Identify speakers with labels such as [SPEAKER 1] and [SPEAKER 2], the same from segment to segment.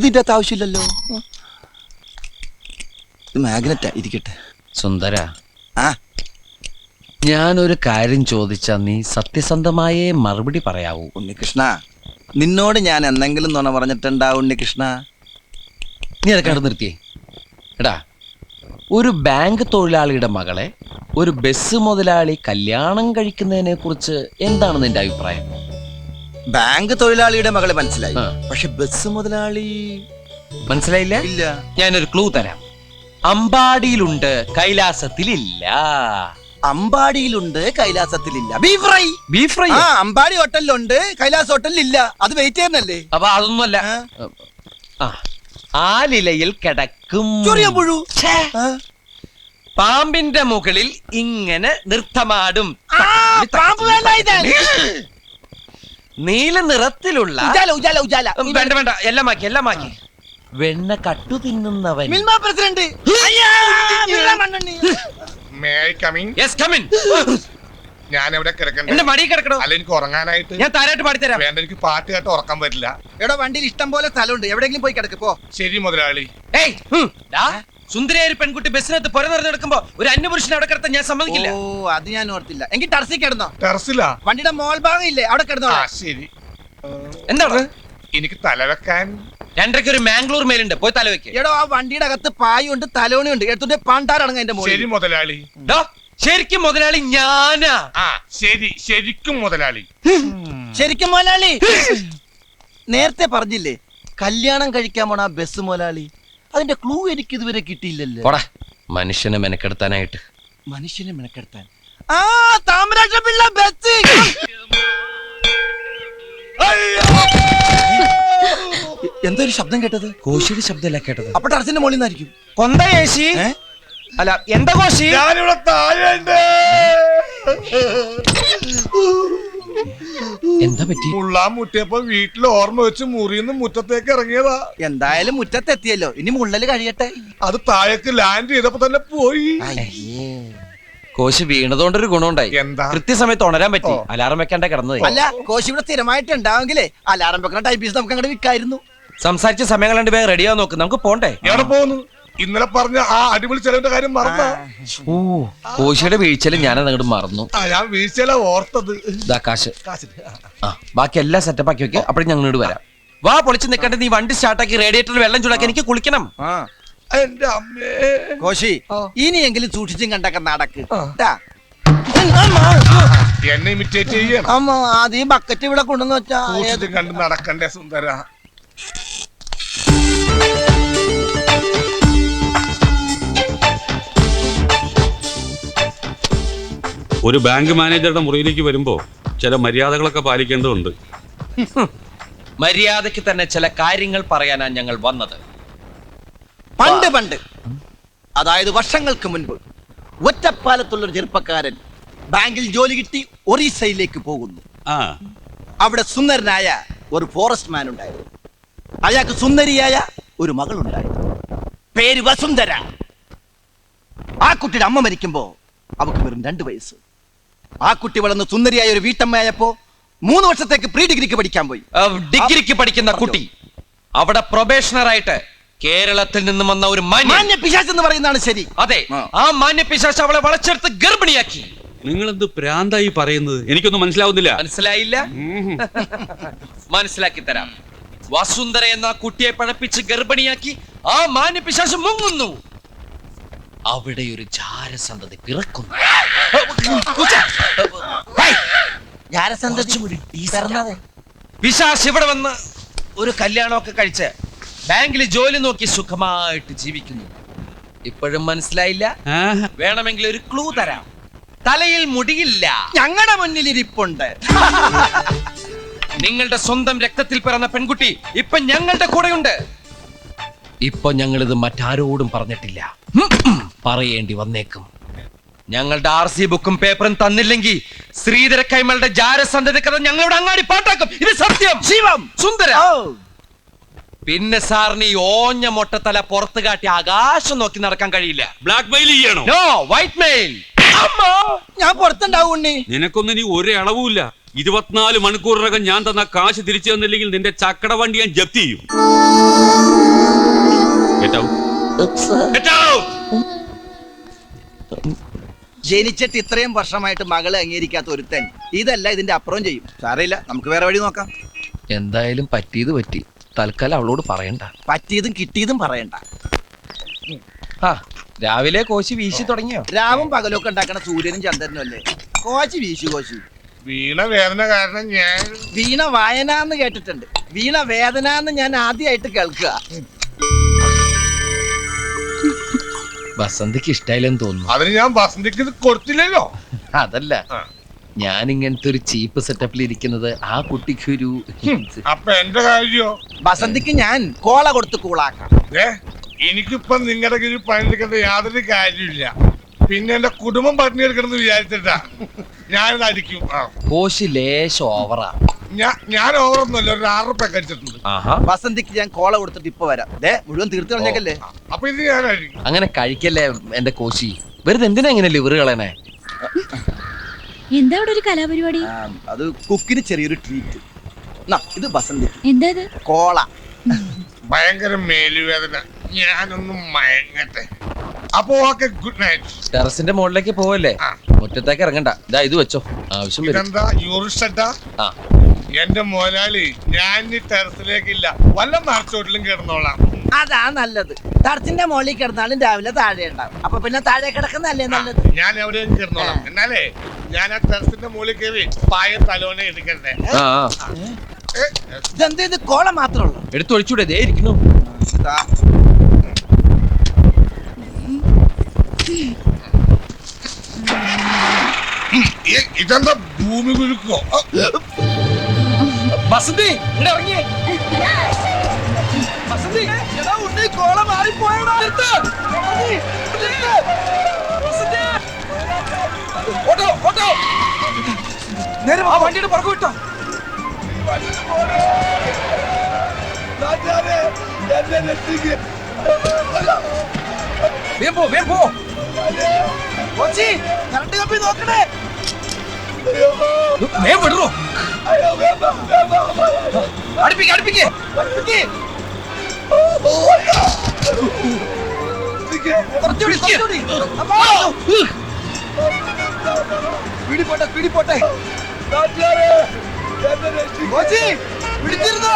[SPEAKER 1] ഇതിന്റെ ആവശ്യമില്ലല്ലോ. മാഗ്നറ്റാ, ഇരിക്കട്ടെ.
[SPEAKER 2] സുന്ദര,
[SPEAKER 1] ആ
[SPEAKER 2] ഞാനൊരു കാര്യം ചോദിച്ചാ നീ സത്യസന്ധമായേ മറുപടി പറയാവൂ.
[SPEAKER 1] ഉണ്ണികൃഷ്ണ, നിന്നോട് ഞാൻ എന്തെങ്കിലും നുണ പറഞ്ഞിട്ടുണ്ടാ ഉണ്ണികൃഷ്ണ?
[SPEAKER 2] നീ അതൊക്കെ അവിടെ നിർത്തിയേ. എടാ, ഒരു ബാങ്ക് തൊഴിലാളിയുടെ മകളെ ഒരു ബസ് മുതലാളി കല്യാണം കഴിക്കുന്നതിനെ കുറിച്ച് എന്താണ് നിന്റെ അഭിപ്രായം?
[SPEAKER 1] ബാങ്ക് തൊഴിലാളിയുടെ മകളെ മനസ്സിലായി, പക്ഷെ ബസ് മുതലാളി
[SPEAKER 2] മനസ്സിലായില്ല?
[SPEAKER 1] ഇല്ല.
[SPEAKER 2] ഞാനൊരു ക്ലൂ തരാം. അമ്പാടിയിലുണ്ട്, കൈലാസത്തിലില്ല.
[SPEAKER 1] അമ്പാടിയിലുണ്ട്, കൈലാസത്തിലില്ല. Beef fry.
[SPEAKER 2] Beef fry?
[SPEAKER 1] ആ, അമ്പാടി ഹോട്ടലിലുണ്ട്, കൈലാസ് ഹോട്ടലിലില്ല. അത് വെയിറ്റ് ചെയ്യുന്നല്ലേ?
[SPEAKER 2] അപ്പൊ അതൊന്നുമല്ല. ആലിലയിൽ കിടക്കും
[SPEAKER 1] പുഴു.
[SPEAKER 2] പാമ്പിന്റെ മുകളിൽ ഇങ്ങനെ നൃത്തമാടും. നീല നിറത്തിലുള്ള വേണ്ട വേണ്ട, എല്ലാം മാക്കി. വെണ്ണ കട്ടു തിന്നുന്നവൻ.
[SPEAKER 1] പ്രസിഡന്റ്.
[SPEAKER 3] ഞാൻ എവിടെ കിടക്കണ്ടേ?
[SPEAKER 2] എന്റെ മടി കിടക്കണോ?
[SPEAKER 3] അല്ല, എനിക്ക് ഉറങ്ങാനായിട്ട്.
[SPEAKER 2] ഞാൻ താരായിട്ട് പാടിത്തരാം.
[SPEAKER 3] വേണ്ട, എനിക്ക് പാട്ട് കേട്ട് ഉറക്കാൻ പറ്റില്ല.
[SPEAKER 1] എവിടെ വണ്ടിയിൽ ഇഷ്ടം പോലെ സ്ഥലമുണ്ട്, എവിടെയെങ്കിലും പോയി കിടക്ക് പോ.
[SPEAKER 3] ശരി മുതലാളി.
[SPEAKER 2] സുന്ദരിയായ ഒരു പെൺകുട്ടി ബസ്സിനകത്ത് പുര നിറഞ്ഞെടുക്കുമ്പോ ഒരു അന്യപുരുഷനെ അവിടെ കിടത്താൻ ഞാൻ സമ്മതിക്കില്ല.
[SPEAKER 1] ഓ, അത് ഞാൻ ഓർത്തില്ല. എങ്കിൽ ടെറസിൽ കിടന്നോ.
[SPEAKER 3] ടെറസിലാ?
[SPEAKER 1] വണ്ടിയുടെ മോൾ ഭാഗം ഇല്ലേ, അവിടെ കിടന്നോ.
[SPEAKER 3] ശരി.
[SPEAKER 2] എന്താണ്?
[SPEAKER 3] എനിക്ക് തലവെക്കാൻ
[SPEAKER 2] 2:30 ഒരു മാംഗ്ലൂർ മേലുണ്ട്, പോയി തലവെക്ക്.
[SPEAKER 1] എടോ, ആ വണ്ടിയുടെ അകത്ത് പായുണ്ട്, തലോണിയുണ്ട്. എടുത്തിട്ട് പാണ്ടാറടങ്ങ എന്റെ മോളിൽ.
[SPEAKER 3] ശരി മുതലാളി.
[SPEAKER 2] ശരിക്കും മുതലാളി ഞാനാ.
[SPEAKER 3] ശരി, ശരിക്കും മുതലാളി.
[SPEAKER 1] ശരിക്കും മുതലാളി. നേരത്തെ പറഞ്ഞില്ലേ കല്യാണം കഴിക്കാൻ പോണ ബസ് മുതലാളി? അതിന്റെ ക്ലൂ എനിക്ക് ഇതുവരെ കിട്ടിയില്ലല്ലോ.
[SPEAKER 2] മനുഷ്യനെ മെനക്കെടുത്താനായിട്ട്.
[SPEAKER 1] മനുഷ്യനെ മെനക്കെടുത്താൻ? ആ, താമരാക്ഷ പിള്ള ബസ്. എന്തൊരു ശബ്ദം കേട്ടത്?
[SPEAKER 2] കോശിയുടെ ശബ്ദമല്ല കേട്ടത്.
[SPEAKER 1] അപ്പൊ ടെറസിന്റെ മുകളിൽ നിന്നായിരിക്കും.
[SPEAKER 2] കൊന്തയേശി അല്ല, എന്താ കോശി?
[SPEAKER 3] ഞാനിവിടെ താഴെയുണ്ട്.
[SPEAKER 2] എന്താ പറ്റി?
[SPEAKER 3] മുള്ളാൻ മുട്ടിയപ്പോ വീട്ടിൽ ഓർമ്മ വെച്ച് മുറിന്ന് മുറ്റത്തേക്ക് ഇറങ്ങിയതാ.
[SPEAKER 1] എന്തായാലും മുറ്റത്തെത്തിയല്ലോ, ഇനി മുള്ളല് കഴിയട്ടെ.
[SPEAKER 3] അത് താഴേക്ക് ലാൻഡ് ചെയ്തപ്പോ തന്നെ പോയി.
[SPEAKER 2] കോശി വീണതുകൊണ്ടൊരു ഗുണമുണ്ടായി.
[SPEAKER 3] എന്താ?
[SPEAKER 2] കൃത്യസമയത്ത് ഉണരാൻ പറ്റി. അലാറം വെക്കാണ്ട കിടന്നത്.
[SPEAKER 1] അല്ല, കോശി ഇവിടെ സ്ഥിരമായിട്ട് ഉണ്ടാവെങ്കിലേ അലാറം വെക്കുന്ന ടൈപ്പീസ് നമുക്ക് അങ്ങോട്ട് വിൽക്കായിരുന്നു.
[SPEAKER 2] സംസാരിച്ച സമയം കണ്ട് വേഗം റെഡിയാ നോക്ക്, നമുക്ക് പോണ്ടേ?
[SPEAKER 3] എവിടെ പോകുന്നു? ഇന്നലെ പറഞ്ഞ ആ അടിപൊളി ചെലവിന്റെ കാര്യം മറന്നാ?
[SPEAKER 2] കോശിയുടെ വീഴ്ചയിൽ ഞാനത് അങ്ങോട്ട് മറന്നു.
[SPEAKER 3] ഞാൻ വീഴ്ചയില ഓർത്തത്.
[SPEAKER 2] കാശ്. ബാക്കി എല്ലാം സെറ്റപ്പ് ആക്കി വെക്കുക. അപ്പോഴും ഞങ്ങൾ ഇങ്ങോട്ട് വരാം. വാ, പൊളിച്ച് നിൽക്കട്ടെ. നീ വണ്ടി സ്റ്റാർട്ടാക്കി റേഡിയേറ്ററിൽ വെള്ളം ചൂടാക്കി എനിക്ക് കുളിക്കണം.
[SPEAKER 3] എന്റെ അമ്മേ.
[SPEAKER 1] കോശി, ഇനിയെങ്കിലും സൂക്ഷിച്ചും കണ്ടൊക്കെ നടക്ക്.
[SPEAKER 3] എന്നെ ഇമിറ്റേറ്റ് ചെയ്യണം.
[SPEAKER 1] അമ്മ, അത് ഈ ബക്കറ്റ് ഇവിടെ കൊണ്ടുവന്ന് വെച്ചാ
[SPEAKER 3] സൂക്ഷിച്ചും കണ്ട് നടക്കണ്ടേ സുന്ദര.
[SPEAKER 4] ഒരു ബാങ്ക് മാനേജറുടെ മുറിയിലേക്ക് വരുമ്പോ ചില മര്യാദകളൊക്കെ പാലിക്കേണ്ടതുണ്ട്.
[SPEAKER 2] മര്യാദയ്ക്ക് തന്നെ ചില കാര്യങ്ങൾ പറയാനാണ് ഞങ്ങൾ വന്നത്.
[SPEAKER 1] പണ്ട് അതായത് വർഷങ്ങൾക്ക് മുൻപ് ഒറ്റപ്പാലത്തുള്ളൊരു ചെറുപ്പക്കാരൻ ബാങ്കിൽ ജോലി കിട്ടി ഒറീസയിലേക്ക് പോകുന്നു. അവിടെ സുന്ദരനായ ഒരു ഫോറസ്റ്റ് മാൻ ഉണ്ടായിരുന്നു. അയാൾക്ക് സുന്ദരിയായ ഒരു മകളുണ്ടായിരുന്നു. പേര് വസുന്ധര. ആ കുട്ടിയുടെ അമ്മ മരിക്കുമ്പോ അവക്ക് വെറും 2 വയസ്സ്. ആ കുട്ടി വളർന്ന് സുന്ദരിയായ ഒരു വീട്ടമ്മയായപ്പോ 3 വർഷത്തേക്ക് പ്രീ ഡിഗ്രിക്ക് പഠിക്കാൻ പോയി.
[SPEAKER 2] ഡിഗ്രിക്ക് പഠിക്കുന്ന കുട്ടി അവിടെ പ്രൊബേഷണർ ആയിട്ട് കേരളത്തിൽ നിന്നും വന്ന ഒരു
[SPEAKER 1] മാന്യ പിശാച് എന്ന് പറയുന്നതാണ് ശരി.
[SPEAKER 2] അതെ, ആ മാന്യ പിശാച് അവളെ വളച്ചെടുത്ത് ഗർഭിണിയാക്കി.
[SPEAKER 4] നിങ്ങൾ എന്ത് പ്രാന്തായി പറയുന്നത്? എനിക്കൊന്നും മനസ്സിലാവുന്നില്ല.
[SPEAKER 2] മനസ്സിലായില്ല? മനസ്സിലാക്കി തരാം. വസുന്ധര എന്ന കുട്ടിയെ പഴപ്പിച്ച് ഗർഭിണിയാക്കി ആ മാന്യ പിശാച് മുങ്ങുന്നു. അവിടെ ഒരു ജാരസന്തതി പിറക്കുന്നു. പിശാച് ഇവിടെ വന്ന് ഒരു കല്യാണമൊക്കെ കഴിച്ച് ബാങ്കിൽ ജോലി നോക്കി സുഖമായിട്ട് ജീവിക്കുന്നു. ഇപ്പോഴും മനസ്സിലായില്ല? വേണമെങ്കിൽ ഒരു ക്ലൂ തരാം. തലയിൽ മുടിയില്ല.
[SPEAKER 1] ഞങ്ങളുടെ മുന്നിൽ ഇരിപ്പുണ്ട്.
[SPEAKER 2] നിങ്ങളുടെ സ്വന്തം രക്തത്തിൽ പിറന്ന പെൺകുട്ടി ഇപ്പൊ ഞങ്ങളുടെ കൂടെയുണ്ട്. ഇപ്പൊ ഞങ്ങളിത് മറ്റാരോടും പറഞ്ഞിട്ടില്ല. പറയേണ്ടി വന്നേക്കും. ഞങ്ങളുടെ RC ബുക്കും പേപ്പറും തന്നില്ലെങ്കിൽ ശ്രീധര കൈമളുടെ ജാരസന്ധതി കഥ ഞങ്ങളുടെ അങ്ങാടി പാട്ടാക്കും. ഇത് സത്യം.
[SPEAKER 1] ശിവം
[SPEAKER 2] സുന്ദര. പിന്നെ സാറിന് ഈ ഓഞ്ഞ മൊട്ടത്തല പുറത്ത് കാട്ടി ആകാശം നോക്കി നടക്കാൻ കഴിയില്ല.
[SPEAKER 4] ബ്ലാക്ക് മെയിൽ ചെയ്യണോ?
[SPEAKER 2] No, white mail.
[SPEAKER 1] ഞാൻ പുറത്തുണ്ടാവും ഉണ്ണി.
[SPEAKER 4] നിനക്കൊന്നും ഇനി ഒരു അളവുമില്ല. 24 മണിക്കൂറിനകം ഞാൻ തന്ന കാശ് തിരിച്ചു തന്നില്ലെങ്കിൽ നിന്റെ ചക്കട വണ്ടി ഞാൻ ജപ്തി ചെയ്യും. Get out. Get out.
[SPEAKER 1] ജനിച്ചിട്ട് ഇത്രയും വർഷമായിട്ട് മകളെ അംഗീകരിക്കാത്ത ഒരുത്തൻ ഇതല്ല ഇതിന്റെ അപ്പുറം ചെയ്യും. സാരമില്ല, നമുക്ക് വേറെ വഴി നോക്കാം.
[SPEAKER 2] എന്തായാലും പറ്റിയത് പറ്റി. തൽക്കാലം അവളോട് പറയണ്ട.
[SPEAKER 1] പറ്റിയതും കിട്ടിയതും പറയണ്ട.
[SPEAKER 2] ആ രാവിലെ കോശി വീശി തുടങ്ങിയോ?
[SPEAKER 1] രാവും പകലൊക്കെ ഉണ്ടാക്കണ സൂര്യനും ചന്ദ്രനും അല്ലേ കോശി വീശു. കോശി
[SPEAKER 3] വീണ വേദന കാരണം ഞാൻ
[SPEAKER 1] വീണ വായന എന്ന് കേട്ടിട്ടുണ്ട്, വീണ വേദന എന്ന് ഞാൻ ആദ്യമായിട്ട് കേൾക്കുക.
[SPEAKER 2] വസന്തിക്ക് ഇഷ്ടായില്ലെന്ന് തോന്നുന്നു.
[SPEAKER 3] അതിന് ഞാൻ വസന്തിക്ക് ഇത് കൊടുത്തില്ലല്ലോ.
[SPEAKER 2] അതല്ല, ഞാൻ ഇങ്ങനത്തെ ഒരു ചീപ്പ് സെറ്റപ്പിൽ ഇരിക്കുന്നത് ആ കുട്ടിക്ക് ഒരു
[SPEAKER 3] അപ്പൊ എന്റെ കാര്യോ?
[SPEAKER 1] വസന്തിക്ക് ഞാൻ കോള കൊടുത്ത് കൂളാക്കാം.
[SPEAKER 3] എനിക്കിപ്പം നിങ്ങളുടെ കീഴിൽ പണിയെടുക്കേണ്ട യാതൊരു കാര്യമില്ല. പിന്നെ എന്റെ കുടുംബം പട്ടിണിയെടുക്കണമെന്ന് വിചാരിച്ചിട്ടാ ഞാനിത് അടിക്കും.
[SPEAKER 2] കോശി ലേശം ഓവറാ.
[SPEAKER 3] ഞാൻ ഓവറൊന്നുമല്ല, ഒരു 6 റുപ്യ കഴിച്ചിട്ടുണ്ട്.
[SPEAKER 1] വസന്തിക്ക് ഞാൻ കോള കൊടുത്തിട്ട് ഇപ്പൊ വരാം. മുഴുവൻ തീർത്ത് കളഞ്ഞേക്കല്ലേ.
[SPEAKER 3] അപ്പൊ ഇത് ഞാൻ അടിക്കും.
[SPEAKER 2] അങ്ങനെ കഴിക്കല്ലേ എന്റെ കോശി. വെറുതെ എന്തിനാ ഇങ്ങനെ ലിവർ കളയണേ?
[SPEAKER 5] എന്താ അവിടെ ഒരു കലാപരിപാടി?
[SPEAKER 1] അത് കുക്കിന് ചെറിയൊരു ട്രീറ്റ്. ഇത് വസന്തി
[SPEAKER 5] എന്താ ഇത്?
[SPEAKER 1] കോള.
[SPEAKER 3] ഭയങ്കര മേലുവേദന, ഞാനൊന്നും മയങ്ങട്ടെ. അപ്പൊ ഓക്കെ, ഗുഡ് നൈറ്റ്.
[SPEAKER 2] ടെറസിന്റെ മുകളിലേക്ക് പോവല്ലേ, മുറ്റത്തേക്ക് ഇറങ്ങണ്ട. ഇതാ ഇത് വെച്ചോ, ആവശ്യം വരും.
[SPEAKER 3] ഇതെന്താ യൂറിസ്റ്റ?
[SPEAKER 2] ആ
[SPEAKER 3] എന്റെ മോലാളി, ഞാൻ ഈ ടെറസിലേക്കില്ല, വല്ല മരച്ചോട്ടിലും കിടന്നോളാം.
[SPEAKER 1] അതാ നല്ലത്. ടർച്ചിന്റെ മുകളിൽ കിടന്നാലും രാവിലെ താഴെ ഉണ്ടാവും. അപ്പൊ പിന്നെ താഴെ കിടക്കുന്നല്ലേ നല്ലത്.
[SPEAKER 3] ഞാൻ എവിടെയും കിടന്നോളാം. എന്നാലേ ഞാൻ ആ ടെറസിന്റെ മുകളിൽ കയറി പായ തലോനെ എടുക്കണ്ടേ?
[SPEAKER 1] ഇതെന്ത് ഇത് കോള മാത്രമേ ഉള്ളൂ?
[SPEAKER 2] എടുത്തൊഴിച്ചൂടെ, ദേ ഇരിക്കുന്നു.
[SPEAKER 3] ഇതെന്താ ഭൂമി കുലുക്കോ?
[SPEAKER 2] വസന്തി ഇവിടെ ഇറങ്ങിയേ. വസന്തി
[SPEAKER 1] കോള മാറിപ്പോയടാ.
[SPEAKER 2] ഓട്ടോ ഓട്ടോ, നേരെ ആ വണ്ടിയുടെ പുറകു വിട്ടോ. വേഗം പോ, വേഗം പോ.
[SPEAKER 1] കോച്ചി, കറണ്ട് കമ്പി നോക്കണേ.
[SPEAKER 2] വേഗം വിടറോ. അടുപ്പിക്ക് അടുപ്പിക്ക്.
[SPEAKER 1] കുറച്ചുകൂടി, കുറച്ചുകൂടി. പിടി പോട്ടെ, പിടി പോട്ടെ. കോച്ചി, പിടിച്ചിരുന്നോ?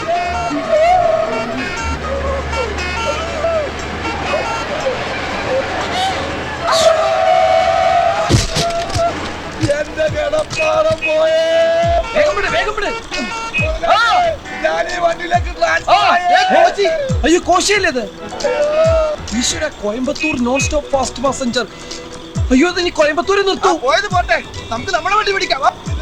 [SPEAKER 1] എന്റെ കിടപ്പാടം പോയേ.
[SPEAKER 2] വേഗം വിട്, വേഗം വിട്.
[SPEAKER 1] ഞാൻ ഈ വണ്ടിയിലേക്ക്
[SPEAKER 2] അയ്യോ കോശിയല്ലേ ഇത്? ഈശ്വര, Coimbatore non stop fast passenger. അയ്യോ, ഇത് നീ കോയമ്പത്തൂരിൽ നിർത്തൂ.
[SPEAKER 1] പോയത് പോട്ടെ, നമുക്ക് നമ്മുടെ വണ്ടി പിടിക്കാം.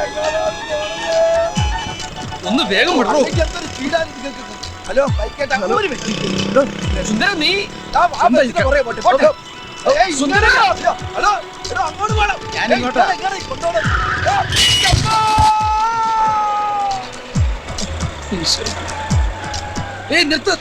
[SPEAKER 2] ഒന്ന് വേഗം വിടറോ.
[SPEAKER 1] ഹലോ,
[SPEAKER 2] സുന്ദര, നീ
[SPEAKER 1] സുന്ദര, ഹലോ, അങ്ങോട്ട് പോകണം.
[SPEAKER 2] ഏയ് നിർത്ത്.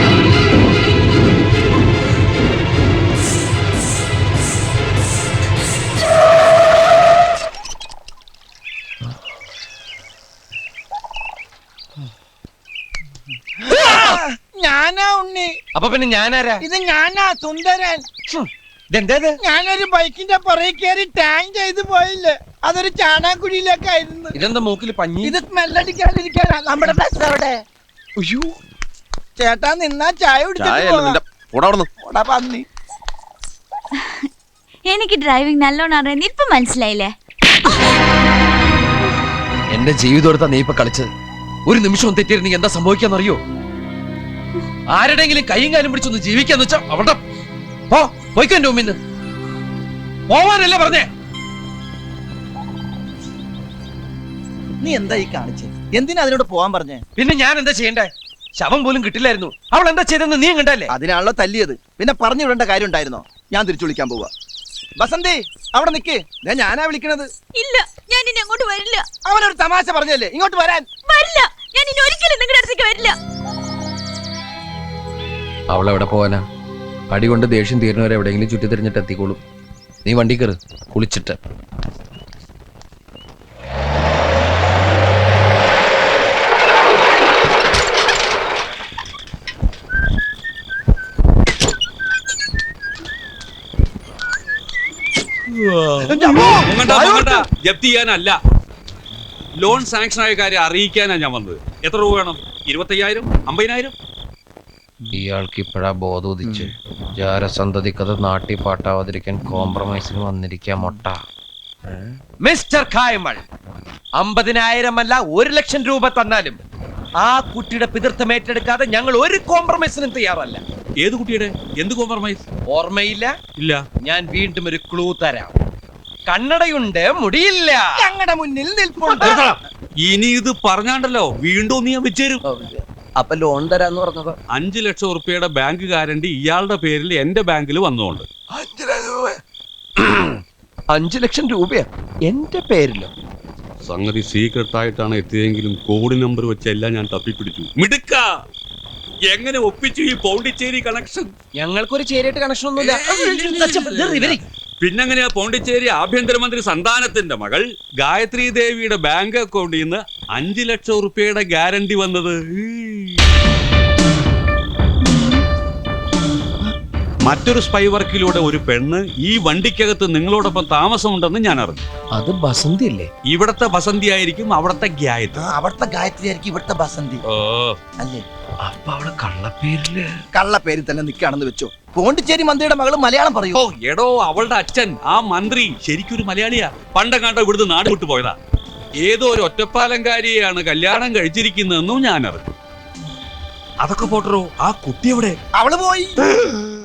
[SPEAKER 1] ഞാനാ ഉണ്ണി.
[SPEAKER 2] അപ്പൊ പിന്നെ ഞാനാരാ?
[SPEAKER 1] ഇത് ഞാനാ സുന്ദരൻ.
[SPEAKER 2] ഇതെന്താ?
[SPEAKER 1] ഞാനൊരു ബൈക്കിന്റെ പുറകെ കയറി ടാങ്ക് ചെയ്ത് പോയില്ലേ, അതൊരു ചാണാക്കുഴിയിലേക്കായിരുന്നു.
[SPEAKER 2] ഇതെന്താ മൂക്കിൽ പഞ്ഞി?
[SPEAKER 1] ഇത് സ്മെല്ലടിക്കാണ്ടിരിക്കാനാ നമ്മുടെ ബസ് അവിടെ.
[SPEAKER 2] അയ്യോ
[SPEAKER 1] ചേട്ടാ, നിന്നാ ചായ കുടിച്ചിട്ട് പന്നി.
[SPEAKER 5] എനിക്ക് ഡ്രൈവിംഗ് നല്ലോണം അറിയാൻ ഇപ്പൊ മനസ്സിലായില്ലേ?
[SPEAKER 2] എന്റെ ജീവിതം നീ ഇപ്പൊ കളിച്ചത്. ഒരു നിമിഷം തെറ്റിയിരുന്നെങ്കിൽ എന്താ സംഭവിക്കാന്നറിയോ? ആരുടെങ്കിലും കൈയും കാലും പിടിച്ചൊന്ന് ജീവിക്കാന്ന് വെച്ചാ അവിടെ പോയിക്കോ. എന്റെ മുമ്പിന്ന് പോവാനല്ലേ പറഞ്ഞേ?
[SPEAKER 1] നീ എന്താ ഈ കാണിച്ചത്? എന്തിനാ അതിനോട് പോവാൻ പറഞ്ഞേ?
[SPEAKER 2] പിന്നെ ഞാൻ എന്താ ചെയ്യണ്ടേ? ശവം പോലും കിട്ടില്ലായിരുന്നു. അവൾ എന്താ ചെയ്തെന്ന് നീ കണ്ടല്ലേ?
[SPEAKER 1] അതിനാണല്ലോ തല്ലിയത്. പിന്നെ പറഞ്ഞു വിടേണ്ട കാര്യം ഉണ്ടായിരുന്നോ? ഞാൻ തിരിച്ചു വിളിക്കാൻ പോവാ. ബസന്തി, അവിടെ നിക്ക്. ഞാനാ വിളിക്കണത്.
[SPEAKER 5] ഇല്ല, ഞാൻ ഇനി അങ്ങോട്ട് വരില്ല.
[SPEAKER 1] അവനൊരു തമാശ പറഞ്ഞല്ലേ, ഇങ്ങോട്ട് വരാൻ.
[SPEAKER 5] വരില്ല, ഞാൻ ഇനി ഒരിക്കലും നിങ്ങളുടെ അടുത്തേക്ക് വരില്ല.
[SPEAKER 2] അവളെവിടെ പോവാനാ? പടി കൊണ്ട് ദേഷ്യം തീരുന്നവരെ എവിടെയെങ്കിലും ചുറ്റി തിരിഞ്ഞിട്ട് എത്തിക്കോളും. നീ വണ്ടി കയറ്, കുളിച്ചിട്ട്.
[SPEAKER 4] ജപ്തി ചെയ്യാനല്ല, ലോൺ സാങ്ഷൻ ആയ കാര്യം അറിയിക്കാനാ ഞാൻ വന്നത്. എത്ര രൂപ വേണം? 25,000, 50,000?
[SPEAKER 2] ഇയാൾക്ക് ഇപ്പോഴാ ബോധം ഉദിച്ച് ജാരസന്തതിക്കത് നാട്ടി പാട്ടാവാതിരിക്കാൻ കോംപ്രമൈസിന് വന്നിരിക്കാൻ മൊട്ട. മിസ്റ്റർ കായ്മൾ, 50,000 അല്ല 1,00,000 രൂപ തന്നാലും ആ കുട്ടിയുടെ പിതൃത്വം ഏറ്റെടുക്കാതെ ഞങ്ങൾ ഒരു കോംപ്രമൈസിനും തയ്യാറല്ല.
[SPEAKER 4] ഏത് കുട്ടിയുടെ? എന്ത് കോംപ്രമൈസ്?
[SPEAKER 2] ഓർമ്മയില്ല?
[SPEAKER 4] ഇല്ല.
[SPEAKER 2] ഞാൻ വീണ്ടും ഒരു ക്ലൂ തരാം. കണ്ണടയുണ്ട്, മുടിയില്ല, ഞങ്ങളുടെ മുന്നിൽ നിൽപ്പുണ്ട്.
[SPEAKER 4] ഇനി ഇത് പറഞ്ഞാണ്ടല്ലോ വീണ്ടും നീ വെച്ചേരും.
[SPEAKER 2] അപ്പൊ ലോൺ തരാന്ന് പറഞ്ഞത്
[SPEAKER 4] 5 ലക്ഷം ഉറുപ്പിയുടെ ബാങ്ക് ഗ്യാരണ്ടി ഇയാളുടെ പേരിൽ എന്റെ ബാങ്കിൽ വന്നുകൊണ്ട്
[SPEAKER 2] 5 ലക്ഷം രൂപയാ എന്റെ പേരിലോ?
[SPEAKER 4] സംഗതി സീക്രട്ട് ആയിട്ടാണ് എത്തിയതെങ്കിലും കോഡ് നമ്പർ വെച്ചെല്ലാം ഞാൻ തപ്പിപ്പിടിച്ചു. മിടുക്ക, എങ്ങനെ ഒപ്പിച്ചു ഈ പോണ്ടിച്ചേരി കണക്ഷൻ?
[SPEAKER 2] ഞങ്ങൾക്കൊരു ചേരിയായിട്ട് കണക്ഷൻ ഒന്നുമില്ല.
[SPEAKER 4] പിന്നെങ്ങനെയാ പോണ്ടിച്ചേരി ആഭ്യന്തരമന്ത്രി സന്താനത്തിന്റെ മകൾ ഗായത്രി ദേവിയുടെ ബാങ്ക് അക്കൗണ്ടിൽ നിന്ന് 5 ലക്ഷം ഉറുപ്പിയുടെ ഗ്യാരണ്ടി വന്നത്? മറ്റൊരു സ്പൈ വർക്കിലൂടെ ഒരു പെണ്ണ് ഈ വണ്ടിക്കകത്ത് നിങ്ങളോടൊപ്പം താമസമുണ്ടെന്ന് ഞാൻ അറിഞ്ഞു.
[SPEAKER 2] അത് ബസന്തി അല്ലേ?
[SPEAKER 4] ഇവിടത്തെ ബസന്തി ആയിരിക്കും അവിടത്തെ ഗായത്രി.
[SPEAKER 1] അവിടുത്തെ ഗായത്രി ആയിരിക്കും ഇവിടുത്തെ ബസന്തി
[SPEAKER 4] ഓ,
[SPEAKER 1] അല്ലേ?
[SPEAKER 2] അപ്പൊ അവിടെ കള്ളപ്പേരില്
[SPEAKER 1] കള്ളപ്പേരിൽ തന്നെ നിൽക്കുകയാണെന്ന് വെച്ചോ. പോണ്ടിച്ചേരി മന്ത്രിയുടെ മകള് മലയാളം പറയൂ.
[SPEAKER 4] ഓ എടോ, അവളുടെ അച്ഛൻ ആ മന്ത്രി ശരിക്കൊരു മലയാളിയാ. പണ്ടെങ്ങാണ്ടോ ഇവിടുന്ന് നാട് വിട്ടു പോയതാ. ഏതോ ഒരു ഒറ്റപ്പാലംകാരിയെയാണ് കല്യാണം കഴിച്ചിരിക്കുന്നതെന്നും ഞാൻ അറിഞ്ഞു. അതൊക്കെ പോട്ടറോ, ആ കുട്ടി എവിടെ?
[SPEAKER 1] അവള് പോയി.